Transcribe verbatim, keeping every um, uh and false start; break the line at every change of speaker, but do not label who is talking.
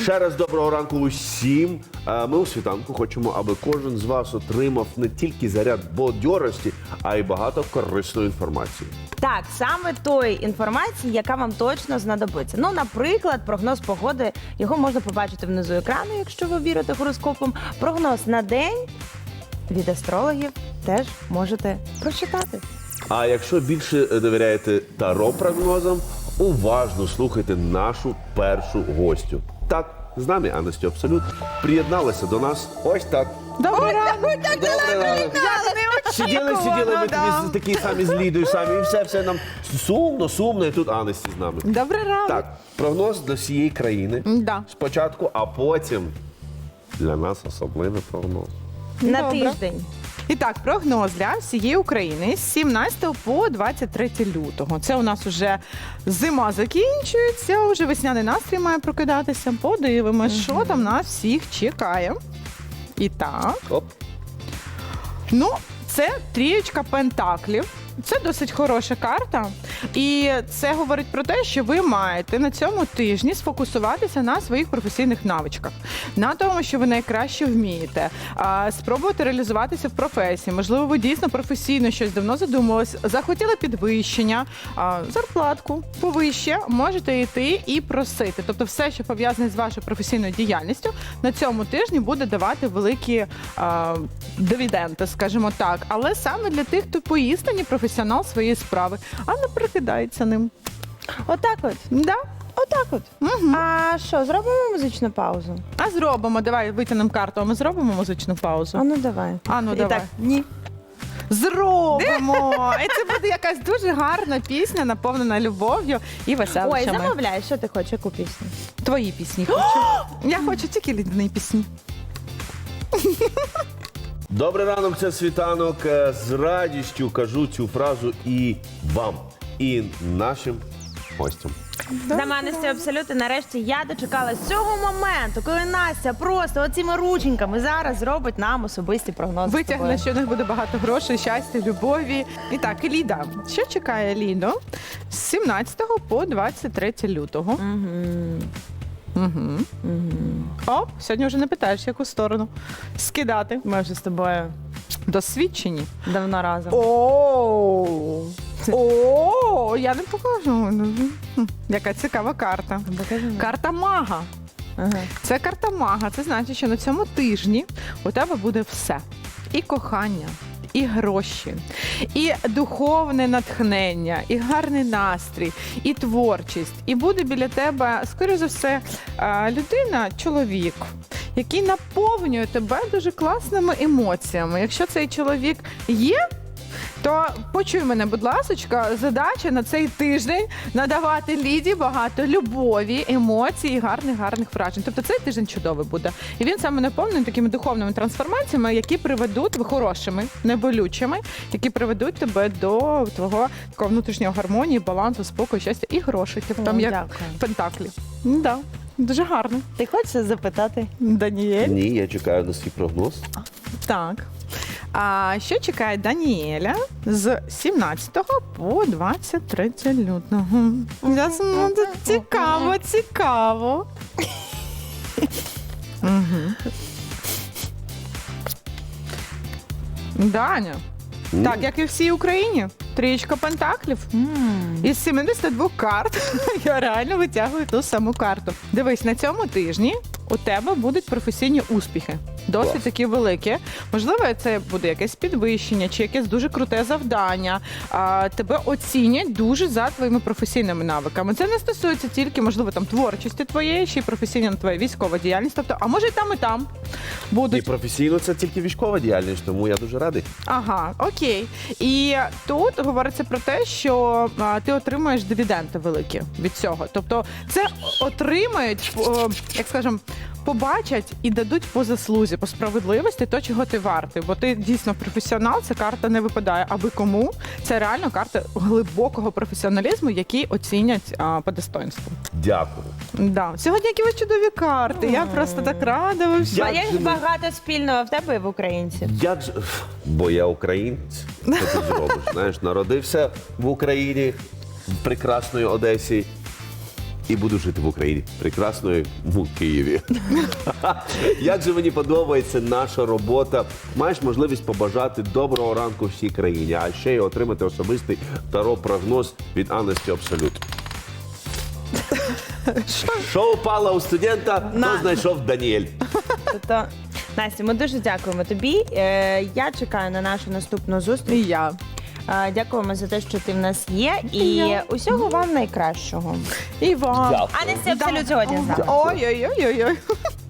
Ще раз доброго ранку усім. Е, Ми у світанку хочемо, аби кожен з вас отримав не тільки заряд бадьорості, а й багато корисної інформації.
Так, саме тої інформації, яка вам точно знадобиться. Ну, наприклад, прогноз погоди, його можна побачити внизу екрану, якщо ви вірите гороскопам. Прогноз на день від астрологів теж можете прочитати.
А якщо більше довіряєте таро-прогнозам, уважно слухайте нашу першу гостю. Так, з нами Анастю Абсолют приєдналася до нас ось так.
Добрий ранок!
Добрий ранок. Сиділи, сиділи, ми тобі такі самі з Лідою самі, і все, все нам сумно, сумно, і тут Анасті з нами.
Добрий ранок.
Так, прогноз для всієї країни
Да.
спочатку, а потім для нас особливий прогноз.
На
Добре.
тиждень.
І так, прогноз для всієї України з сімнадцятого по двадцять третє лютого. Це у нас уже зима закінчується, уже весняний настрій має прокидатися. Подивимось, що там нас всіх чекає. І так,
Оп.
ну, це трієчка пентаклів. Це досить хороша карта, і це говорить про те, що ви маєте на цьому тижні сфокусуватися на своїх професійних навичках, на тому, що ви найкраще вмієте, а, спробувати реалізуватися в професії. Можливо, ви дійсно професійно щось давно задумувались, захотіли підвищення, а, зарплатку повище, можете йти і просити. Тобто все, що пов'язане з вашою професійною діяльністю, на цьому тижні буде давати великі а, дивіденди, скажімо так. Але саме для тих, хто поістині професіонал своєї справи, а не прикидається ним.
Отак от.
Да?
Отак от.
Угу.
А що, зробимо музичну паузу?
А зробимо, давай витягнемо карту, а ми зробимо музичну паузу.
А ну давай.
А ну
І
давай.
так, ні.
Зробимо! І це буде якась дуже гарна пісня, наповнена любов'ю і
Ой,
веселощами.
замовляй, що ти хочеш, яку пісню?
Твої пісні хочу. Я хочу тільки лідні пісні.
Добрий ранок, це світанок. Е, З радістю кажу цю фразу і вам, і нашим гостям.
Для мене це абсолютно. Нарешті я дочекалась цього моменту, коли Настя просто оціми рученьками зараз зробить нам особисті прогнози. з
Витягне,
тобою.
що в них буде багато грошей, щастя, любові. І так, Ліда, що чекає Ліду з сімнадцятого по двадцять третє лютого?
Мгм.
Угу.
Мгм.
Оп, сьогодні вже не питаєш, в яку сторону скидати.
Ми вже з тобою
Досвідчені.
давно разом.
О, о, я не покажу. Хм, Яка цікава карта.
Покажи мені.
Карта мага.
Ага.
Це карта мага. Це значить, що на цьому тижні у тебе буде все. І кохання, і гроші, і духовне натхнення, і гарний настрій, і творчість. І буде біля тебе, скоріше за все, е, людина, чоловік, який наповнює тебе дуже класними емоціями. Якщо цей чоловік є, то почуй мене, будь ласочка, задача на цей тиждень надавати Ліді багато любові, емоцій і гарних гарних вражень. Тобто цей тиждень чудовий буде. І він саме наповнений такими духовними трансформаціями, які приведуть хорошими, неболючими, які приведуть тебе до твого такого внутрішнього гармонії, балансу, спокою, щастя і грошей. Тобто там
О,
як
дякую.
пентаклі. Ну, да. Дуже гарно.
Ти хочеш запитати?
Даніель.
Ні, я чекаю на свій прогноз.
Так. А що чекає Даніеля з сімнадцятого по двадцять третє лютого? Я знаю, це цікаво, цікаво. Мгм. Даня,
М?
так, як і в всій Україні, трієчка пентаклів. Із сімдесят двох карт я реально витягую ту саму карту. Дивись, на цьому тижні у тебе будуть професійні успіхи. Досить
Клас.
такі великі. Можливо, це буде якесь підвищення чи якесь дуже круте завдання. А, тебе оцінять дуже за твоїми професійними навиками. Це не стосується тільки, можливо, там творчості твоєї, ще й професійна твоя військова діяльність. Тобто, а може і там, і там
І
будуть.
професійно це тільки військова діяльність, тому я дуже радий.
Ага, окей. І тут говориться про те, що а, ти отримуєш дивіденди великі від цього. Тобто це отримають, о, як скажемо, побачать і дадуть по заслузі, по справедливості, то, чого ти вартий. Бо ти дійсно професіонал, ця карта не випадає аби кому. Це реально карта глибокого професіоналізму, який оцінять а, по достоинству.
Дякую.
Да. Сьогодні які ви чудові карти. Я просто так рада. Ви всі.
А
Як
є
же ми-
багато спільного в тебе і в українців.
Як же. Бо я українець. Що ти зробиш? Знаєш, народився в Україні, в прекрасної Одесі. і буду жити в Україні, прекрасної в Києві. Як же мені подобається наша робота. Маєш можливість побажати доброго ранку всій країні, а ще й отримати особистий таро-прогноз від Анесті Абсолют. Що упало у студента, то
На.
знайшов Даніель.
Тобто, Настя, ми дуже дякуємо тобі. Е, Я чекаю на нашу наступну зустріч.
І я.
Е, Дякуємо за те, що ти в нас є. І
я.
усього вам найкращого.
І вам.
Дякую.
Анесті Абсолют сьогодні з нами.
Ой-ой-ой-ой.